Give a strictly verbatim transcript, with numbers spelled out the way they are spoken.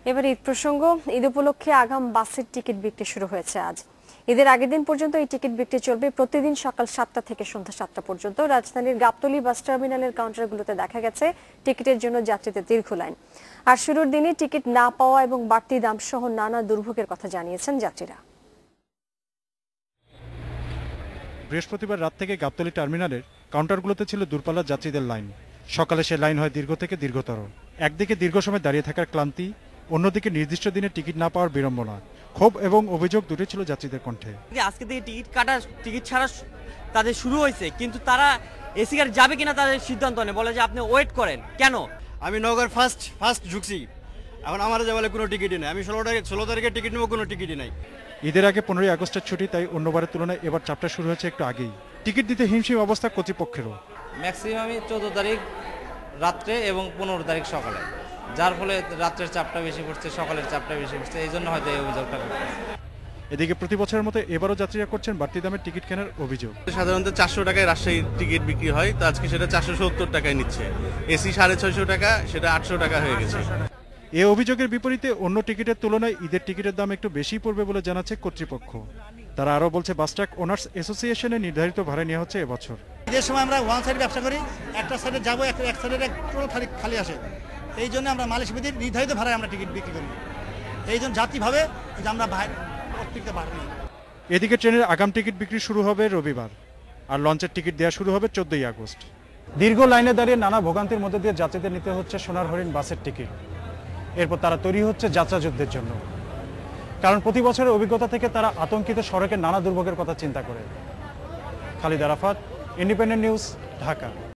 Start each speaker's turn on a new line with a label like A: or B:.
A: এবার ঈদ প্রসঙ্গ। ঈদ উপলক্ষে আগাম বাসের টিকিট বিক্রি শুরু হয়েছে আজ। ঈদের আগের দিন পর্যন্ত এই টিকিট বিক্রি চলবে প্রতিদিন সকাল সাতটা থেকে সন্ধ্যা সাতটা পর্যন্ত। রাজধানীর গাবতলী বাস টার্মিনালের কাউন্টারগুলোতে দেখা গেছে টিকিটের জন্য যাত্রীদের দীর্ঘ লাইন। আর শুরুর দিনে টিকিট না পাওয়া এবং বাড়তি দাম সহ নানা দুর্ভোগের কথা জানিয়েছেন যাত্রীরা।
B: বৃহস্পতিবার রাত থেকে গাবতলী টার্মিনালের কাউন্টারগুলোতে ছিল দূরপাল্লার যাত্রীদের লাইন। সকালে সে লাইন হয় দীর্ঘ থেকে দীর্ঘতর। একদিকে দীর্ঘ সময় দাঁড়িয়ে থাকার ক্লান্তি, অন্যদিকে নির্দিষ্ট দিনে টিকিট না পাওয়ার বিড়ম্বনা, ক্ষোভ এবং অভিযোগ দুটি ছিল যাত্রীদের কণ্ঠে।
C: আজকে থেকে টিকিট কাটা টিকিট ছাড়া তাদের শুরু হয়েছে, কিন্তু তারা এসি গাড়ি যাবে কিনা তাদের সিদ্ধান্ত নেই, বলে যে আপনি ওয়েট করেন। কেন?
D: আমি নগর ফার্স্ট ফার্স্ট ঢুকছি, এখন আমার যে বলে কোনো টিকিটই নেই। আমি ষোলো তারিখ ষোলো তারিখে টিকিট নেবো, কোনো টিকিটই নাই।
B: ঈদের আগে পনেরোই আগস্টের ছুটি, তাই অন্যবারের তুলনায় এবার চাপটা শুরু হয়েছে একটু আগেই। টিকিট দিতে হিমশিম অবস্থা কর্তৃপক্ষেরও।
E: ম্যাক্সিমামই চোদ্দ তারিখ রাত্রে এবং পনেরো তারিখ সকালে, যার ফলে রাত্রের চাপটা বেশি পড়ছে, সকালের চাপটা বেশি পড়ছে, এই জন্য হয়তো এই অভিযোগটা করছে।
B: এদিকে প্রতি বছরের মতো এবারও যাত্রীরা করছেন বাড়তি দামের টিকিট কেনার অভিযোগ।
F: সাধারণত চারশো টাকায় রাজশাহীর টিকিট বিক্রি হয়, তো আজকে সেটা চারশো সত্তর টাকায় নিচ্ছে। এসি সাড়ে ছয়শো টাকা, সেটা আটশো টাকা হয়ে গেছে।
B: এ অভিযোগের বিপরীতে অন্য টিকিটের তুলনায় ঈদের টিকিটের দাম একটু বেশি পড়বে বলে জানাচ্ছে কর্তৃপক্ষ। তারা আরও বলছে, বাসট্রাক ওনার্স অ্যাসোসিয়েশনে নির্ধারিত ভাড়া নেওয়া হচ্ছে এবছর।
G: ঈদের সময় আমরা ওয়ান সাইড ব্যবসা করি, একটা সাইডে যাবো, এক সাইডের টোটাল খালি আসে। এই জন্য আমরা মালিশ বিধির নির্ধারিত ভাড়ায় আমরা টিকিট বিক্রি করি। এই জন্য জাতিভাবে যে আমরা অতিরিক্ত ভাড়া নিই।
B: এদিকে ট্রেনের আগাম টিকিট বিক্রি শুরু হবে রবিবার, আর লঞ্চের টিকিট দেওয়া শুরু হবে চোদ্দই আগস্ট। দীর্ঘ লাইনে দাঁড়িয়ে নানা ভোগান্তির মধ্যে দিয়ে যাত্রীদের নিতে হচ্ছে সোনার হরিণ বাসের টিকিট। এরপর তারা তৈরি হচ্ছে যাত্রা যুদ্ধের জন্য, কারণ প্রতি বছরের অভিজ্ঞতা থেকে তারা আতঙ্কিত সড়কের নানা দুর্ভোগের কথা চিন্তা করে। Khalid Arafat, Independent News, Dhaka.